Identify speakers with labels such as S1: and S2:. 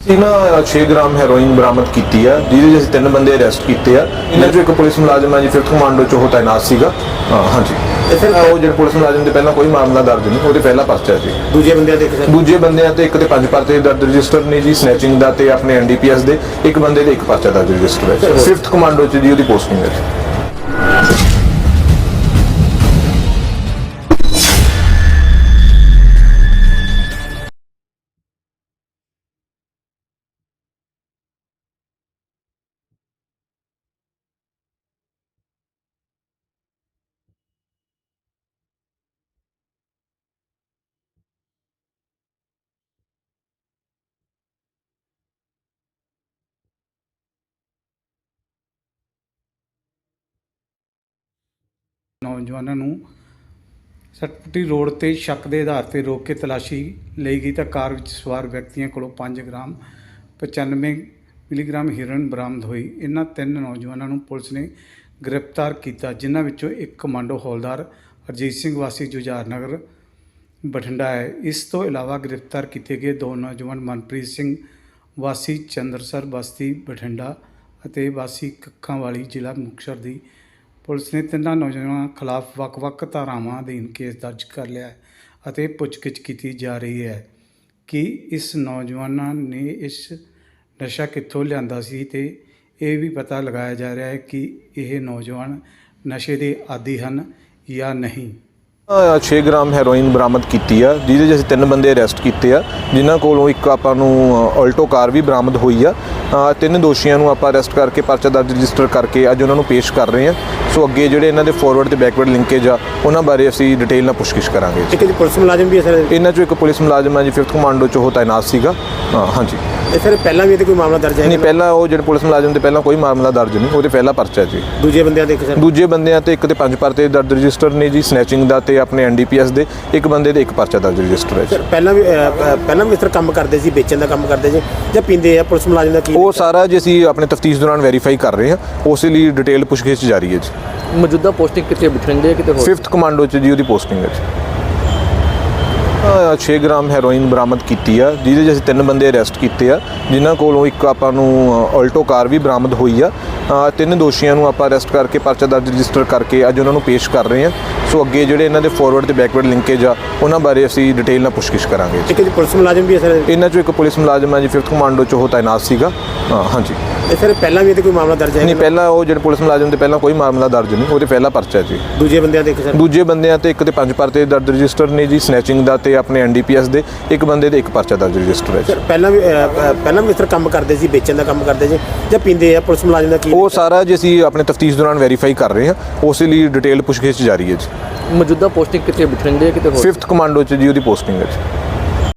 S1: ना 6 ग्राम हैरोइन बरामद की है जिहदे च 3 बंदे अरेस्ट किए हैं। इन्हां चों एक पुलिस मुलाजम है जी 5th कमांडो च वो तैनात सीगा। हाँ जी वो जो पुलिस मुलाजम के पहला कोई मामला दर्ज नहीं, वो पहला परचा जी। दूजे बंदे ते एक ते 5 परचे दर्ज रजिस्टर ने जी, स्नैचिंग का ते अपने NDPS दे एक बंदे दे एक परचा दर्ज रजिस्टर है। 5th कमांडो च जी उसकी पोस्टिंग है जी।
S2: ਨੌਜਵਾਨਾਂ ਨੂੰ ਸਟਪਟੀ ਰੋਡ ਤੇ ਸ਼ੱਕ ਦੇ ਆਧਾਰ ਤੇ ਰੋਕ ਕੇ ਤਲਾਸ਼ੀ ਲਈ ਗਈ ਤਾਂ ਕਾਰ ਵਿੱਚ ਸਵਾਰ ਵਿਅਕਤੀਆਂ ਕੋਲੋਂ 5 ਗ੍ਰਾਮ 95 ਮਿਲੀਗ੍ਰਾਮ ਹੀਰੋਇਨ ਬਰਾਮਦ ਹੋਈ। ਇਹਨਾਂ 3 ਨੌਜਵਾਨਾਂ ਨੂੰ ਪੁਲਿਸ ਨੇ ਗ੍ਰਿਫਤਾਰ ਕੀਤਾ, ਜਿਨ੍ਹਾਂ ਵਿੱਚੋਂ ਇੱਕ ਕਮਾਂਡੋ ਹੌਲਦਾਰ ਅਰਜੀਤ ਸਿੰਘ ਵਾਸੀ ਜੁਝਾਰ ਨਗਰ ਬਠਿੰਡਾ ਹੈ। ਇਸ ਤੋਂ ਇਲਾਵਾ ਗ੍ਰਿਫਤਾਰ ਕੀਤੇ ਗਏ 2 ਨੌਜਵਾਨ ਮਨਪ੍ਰੀਤ ਸਿੰਘ ਵਾਸੀ ਚੰਦਰਸਰ ਬਸਤੀ ਬਠਿੰਡਾ ਅਤੇ ਵਾਸੀ ਕੱਖਾਂ ਵਾਲੀ ਜ਼ਿਲ੍ਹਾ ਮੁਕਤਸਰ ਦੀ ਪੁਲਿਸ ਨੇ 3 ਨੌਜਵਾਨਾਂ ਖਿਲਾਫ ਵੱਖ-ਵੱਖ ਧਾਰਾਵਾਂ ਅਧੀਨ ਕੇਸ ਦਰਜ ਕਰ ਲਿਆ ਹੈ ਅਤੇ ਪੁੱਛਗਿੱਛ ਕੀਤੀ ਜਾ ਰਹੀ ਹੈ ਕਿ ਇਸ ਨੌਜਵਾਨਾਂ ਨੇ ਇਸ ਨਸ਼ਾ ਕਿੱਥੋਂ ਲਿਆਂਦਾ ਸੀ ਤੇ ਇਹ ਵੀ ਪਤਾ ਲਗਾਇਆ ਜਾ ਰਿਹਾ ਹੈ ਕਿ ਇਹ ਨੌਜਵਾਨ ਨਸ਼ੇ ਦੇ ਆਦੀ ਹਨ ਜਾਂ ਨਹੀਂ।
S1: 6 ਗ੍ਰਾਮ ਹੈਰੋਇਨ ਬਰਾਮਦ ਕੀਤੀ ਆ ਜਿਹਦੇ 'ਚ ਅਸੀਂ 3 ਬੰਦੇ ਅਰੈਸਟ ਕੀਤੇ ਆ, ਜਿਨ੍ਹਾਂ ਕੋਲੋਂ ਇੱਕ ਆਪਾਂ ਨੂੰ ਆਲਟੋ ਕਾਰ ਵੀ ਬਰਾਮਦ ਹੋਈ ਆ। 3 ਦੋਸ਼ੀਆਂ ਨੂੰ ਆਪਾਂ ਅਰੈਸਟ ਕਰਕੇ ਪਰਚਾ ਦਰਜ ਰਜਿਸਟਰ ਕਰਕੇ ਅੱਜ ਉਹਨਾਂ ਨੂੰ ਪੇਸ਼ ਕਰ ਰਹੇ ਆ। ਸੋ ਅੱਗੇ ਜਿਹੜੇ ਇਹਨਾਂ ਦੇ ਫਾਰਵਰਡ ਤੇ ਬੈਕਵਰਡ ਲਿੰਕੇਜ ਆ ਉਹਨਾਂ ਬਾਰੇ ਅਸੀਂ ਡਿਟੇਲ ਨਾਲ ਪੁੱਛਗਿੱਛ ਕਰਾਂਗੇ।
S3: ਇੱਕ ਜੀ ਪੁਲਿਸ ਮੁਲਾਜ਼ਮ ਵੀ ਹੈ ਸਰ?
S1: ਇਹਨਾਂ 'ਚੋਂ ਇੱਕ ਪੁਲਿਸ ਮੁਲਾਜ਼ਮ ਹੈ ਜੀ 5th ਕਮਾਂਡੋ 'ਚ ਉਹ ਤੈਨਾਤ ਸੀਗਾ। ਹਾਂਜੀ
S3: ਇਹ ਸਰ ਪਹਿਲਾਂ ਵੀ ਇਹਦੇ ਕੋਈ ਮਾਮਲਾ ਦਰਜ ਹੈ?
S1: ਨਹੀਂ, ਪਹਿਲਾਂ ਉਹ ਜਿਹੜੇ ਪੁਲਿਸ ਮੁਲਾਜ਼ਮ ਤੇ ਪਹਿਲਾਂ ਕੋਈ ਮਾਮਲਾ ਦਰਜ ਨਹੀਂ, ਉਹਦੇ ਪਹਿਲਾ ਪਰਚਾ ਜੀ।
S3: ਦੂਜੇ ਬੰਦਿਆਂ
S1: ਤੇ ਇੱਕ ਤੇ 5 ਪਰਚੇ ਦਰਜ ਰਜਿਸਟਰ ਨੇ ਜੀ, ਸਨੈਚਿੰਗ ਦਾ ਤੇ ਆਪਣੇ NDPS ਦੇ ਇੱਕ ਬੰਦੇ ਦੇ ਇੱਕ ਪਰਚਾ ਦਰਜ ਰਜਿਸਟਰ ਹੈ।
S3: ਸਰ ਪਹਿਲਾਂ ਵੀ ਇਸ ਤਰ੍ਹਾਂ ਕੰਮ ਕਰਦੇ ਸੀ, ਵੇਚਣ ਦਾ ਕੰਮ ਕਰਦੇ ਸੀ ਜਾਂ ਪੀਂਦੇ ਆ? ਪੁਲਿਸ ਮੁਲਾਜ਼ਮ ਦਾ ਕੀ
S1: ਉਹ ਸਾਰਾ ਜੀ ਅਸੀਂ ਆਪਣੇ ਤਫਤੀਸ਼ ਦੌਰਾਨ ਵੈਰੀਫਾਈ ਕਰ ਰਹੇ ਹਾਂ, ਉਸੇ ਲਈ ਡਿਟੇਲ ਪੁੱਛਗਿੱਛ ਜਾਰੀ ਹੈ ਜੀ।
S4: ਮੌਜੂਦਾ ਪੋਸਟਿੰਗ ਕਿੱਥੇ ਬਠਿੰਡੇ ਕਿਤੇ ਹੋਰ?
S1: 5th ਕਮਾਂਡੋ 'ਚ ਜੀ ਉਹਦੀ ਪੋਸਟਿੰਗ ਹੈ ਜੀ। 6 ਗ੍ਰਾਮ ਹੈਰੋਇਨ ਬਰਾਮਦ ਕੀਤੀ ਆ ਜਿਹਦੇ 'ਚ ਅਸੀਂ 3 ਬੰਦੇ ਅਰੈਸਟ ਕੀਤੇ ਆ, ਜਿਨ੍ਹਾਂ ਕੋਲੋਂ ਇੱਕ ਆਪਾਂ ਨੂੰ ਆਲਟੋ ਕਾਰ ਵੀ ਬਰਾਮਦ ਹੋਈ ਆ। 3 ਦੋਸ਼ੀਆਂ ਨੂੰ ਆਪਾਂ ਅਰੈਸਟ ਕਰਕੇ ਪਰਚਾ ਦਰਜ ਰਜਿਸਟਰ ਕਰਕੇ ਅੱਜ ਉਹਨਾਂ ਨੂੰ ਪੇਸ਼ ਕਰ ਰਹੇ ਆ। ਸੋ ਅੱਗੇ ਜਿਹੜੇ ਇਹਨਾਂ ਦੇ ਫਾਰਵਰਡ ਤੇ ਬੈਕਵਰਡ ਲਿੰਕੇਜ ਆ ਉਹਨਾਂ ਬਾਰੇ ਅਸੀਂ ਡਿਟੇਲ ਨਾਲ ਪੁੱਛਗਿੱਛ ਕਰਾਂਗੇ।
S3: ਇੱਕ ਜੀ ਪੁਲਿਸ ਮੁਲਾਜ਼ਮ ਵੀ ਹੈ ਸਰ?
S1: ਇਹਨਾਂ 'ਚੋਂ ਇੱਕ ਪੁਲਿਸ ਮੁਲਾਜ਼ਮ ਹੈ ਜੀ 5th ਕਮਾਂਡੋ 'ਚ ਉਹ ਤੈਨਾਤ ਸੀਗਾ। ਹਾਂਜੀ
S3: ਇਹ ਸਰ ਪਹਿਲਾਂ ਵੀ ਇਹਦੇ ਕੋਈ ਮਾਮਲਾ ਦਰਜ ਹੈ?
S1: ਨਹੀਂ, ਪਹਿਲਾਂ ਉਹ ਜਿਹੜੇ ਪੁਲਿਸ ਮੁਲਾਜ਼ਮ ਤੇ ਪਹਿਲਾਂ ਕੋਈ ਮਾਮਲਾ ਦਰਜ ਨਹੀਂ, ਉਹਦੇ ਪਹਿਲਾ ਪਰਚਾ ਜੀ।
S3: ਦੂਜੇ ਬੰਦਿਆਂ
S1: ਤੇ ਇੱਕ ਤੇ 5 ਪਰਚੇ ਦਰਜ ਰਜਿਸਟਰ ਨੇ ਜੀ, ਸਨੈਚਿੰਗ ਦਾ ਤੇ ਆਪਣੇ NDPS ਦੇ ਇੱਕ ਬੰਦੇ ਦੇ ਇੱਕ ਪਰਚਾ ਦਰਜ ਰਜਿਸਟਰ ਹੈ।
S3: ਸਰ ਪਹਿਲਾਂ ਵੀ ਇਸ ਤਰ੍ਹਾਂ ਕੰਮ ਕਰਦੇ ਸੀ, ਵੇਚਣ ਦਾ ਕੰਮ ਕਰਦੇ ਸੀ ਜਾਂ ਪੀਂਦੇ ਆ? ਪੁਲਿਸ ਮੁਲਾਜ਼ਮ ਦਾ ਕੀ
S1: ਉਹ ਸਾਰਾ ਜੀ ਅਸੀਂ ਆਪਣੇ ਤਫਤੀਸ਼ ਦੌਰਾਨ ਵੈਰੀਫਾਈ ਕਰ ਰਹੇ ਹਾਂ, ਉਸੇ ਲਈ ਡਿਟੇਲ ਪੁੱਛਗਿੱਛ ਜਾਰੀ ਹੈ ਜੀ।
S4: ਮੌਜੂਦਾ ਪੋਸਟਿੰਗ ਕਿੱਥੇ ਬਠਿੰਡੇ ਕਿਤੇ ਹੋਰ?
S1: 5th ਕਮਾਂਡੋ 'ਚ ਜੀ ਉਹਦੀ ਪੋਸਟਿੰਗ ਹੈ ਜੀ।